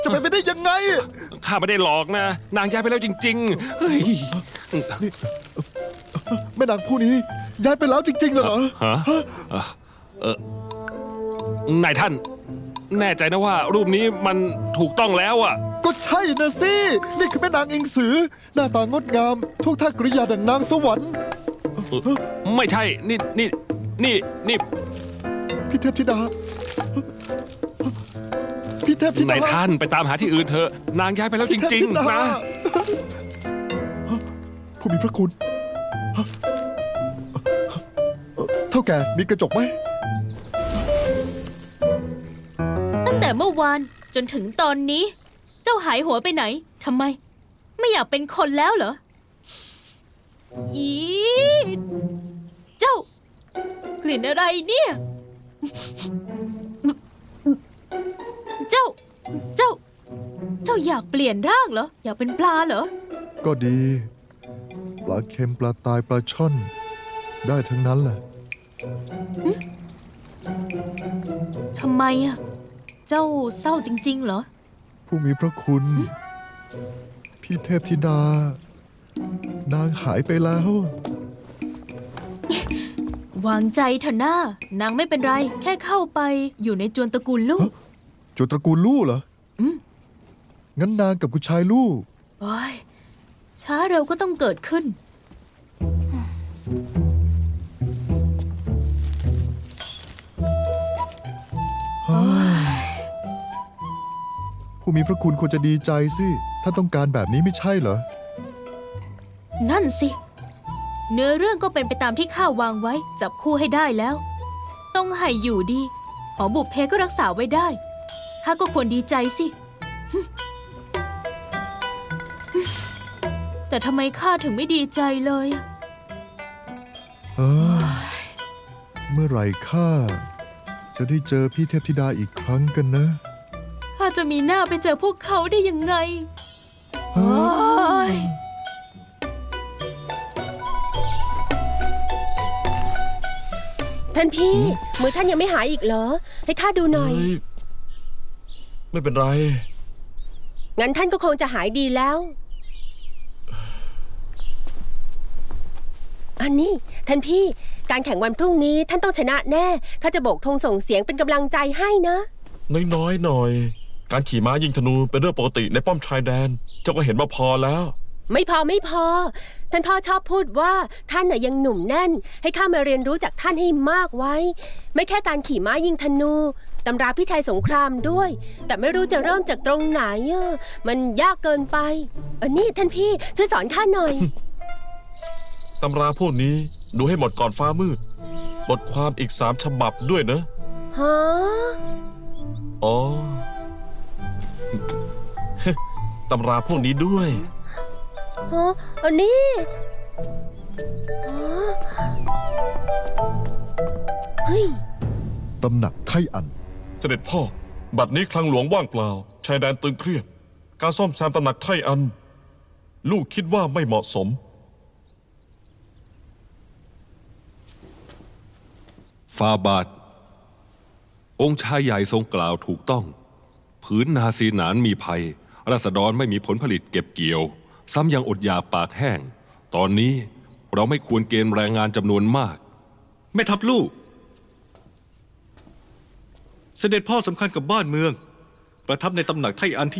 จะไปได้ยังไงข้าไม่ได้หลอกนะนางย้ายไปแล้วจริงๆเฮ้ยนี่แม่นางผู้นี้ย้ายไปแล้วจริงๆเหรอฮะนายท่านแน่ใจนะว่ารูปนี้มันถูกต้องแล้วอ่ะก็ใช่นะสินี่คือแม่นางอิงสือหน้าตางดงามทุกท่ากริยาดังนางสวรรค์ไม่ใช่นี่พี่เทพธิดาพี่เทพธิดานายท่านไปตามหาที่อื่นเถอะนางย้ายไปแล้วจริงๆนะผู้มีพระคุณเท่าแก่มีกระจกไหมตั้งแต่เมื่อวานจนถึงตอนนี้เจ้าหายหัวไปไหนทำไมไม่อยากเป็นคนแล้วเหรออีเจ้ากลิ่นอะไรเนี่ยเจ้าอยากเปลี่ยนร่างเหรออยากเป็นปลาเหรอก็ดีปลาเค็มปลาตายปลาช่อนได้ทั้งนั้นแหละทำไมอ่ะเจ้าเศร้าจริงๆเหรอผู้มีพระคุณพี่เทพธิดานางหายไปแล้ววางใจเถอะหน้านางไม่เป็นไรแค่เข้าไปอยู่ในจวนตระกูลลูกจวนตระกูลลู่เหรองั้นนางกับคุณชายลู่โอ้ยช้าเร็วก็ต้องเกิดขึ้นผู้มีพระคุณควรจะดีใจสิถ้าต้องการแบบนี้ไม่ใช่เหรอนั่นสิเนื้อเรื่องก็เป็นไปตามที่ข้าวางไว้จับคู่ให้ได้แล้วต้องให้อยู่ดีหอบุพเพก็รักษาไว้ได้ข้าก็ควรดีใจสิแต่ทำไมข้าถึงไม่ดีใจเลยเมื่อไหร่ข้าจะได้เจอพี่เทพธิดาอีกครั้งกันนะข้าจะมีหน้าไปเจอพวกเขาได้ยังไงท่านพี่มือท่านยังไม่หายอีกเหรอให้ข้าดูหน่อยไม่เป็นไรงั้นท่านก็คงจะหายดีแล้วอันนี้ท่านพี่การแข่งวันพรุ่งนี้ท่านต้องชนะแน่ข้าจะโบกธงส่งเสียงเป็นกำลังใจให้นะน้อยหน่อยการขี่ม้ายิงธนูเป็นเรื่องปกติในป้อมชายแดนเจ้าก็เห็นว่าพอแล้วไม่พอท่านพ่อชอบพูดว่าท่านน่ะยังหนุ่มแน่นให้ข้ามาเรียนรู้จากท่านให้มากไว้ไม่แค่การขี่ม้ายิงธนูตำราพิชัยสงครามด้วยแต่ไม่รู้จะเริ่มจากตรงไหนมันยากเกินไปนี่ท่านพี่ช่วยสอนข้าหน่อยตำราพวกนี้ดูให้หมดก่อนฟ้ามืดบทความอีก3 ฉบับด้วยนะฮะอ๋อตำราพวกนี้ด้วยอันนี้เฮ้ยตำหนักไทอันเสด็จพ่อบัดนี้คลังหลวงว่างเปล่าชายแดนตึงเครียดการซ่อมแซมตำหนักไทอันลูกคิดว่าไม่เหมาะสมฟาบาทองค์ชายใหญ่ทรงกล่าวถูกต้องผืนนาซีหนานมีภัยราษฎรไม่มีผลผลิตเก็บเกี่ยวซ้ำยังอดอยากปากแห้งตอนนี้เราไม่ควรเกณฑ์แรงงานจำนวนมากแม่ทัพลูกเสด็จพ่อสำคัญกับบ้านเมืองประทับในตำหนักไทอันที่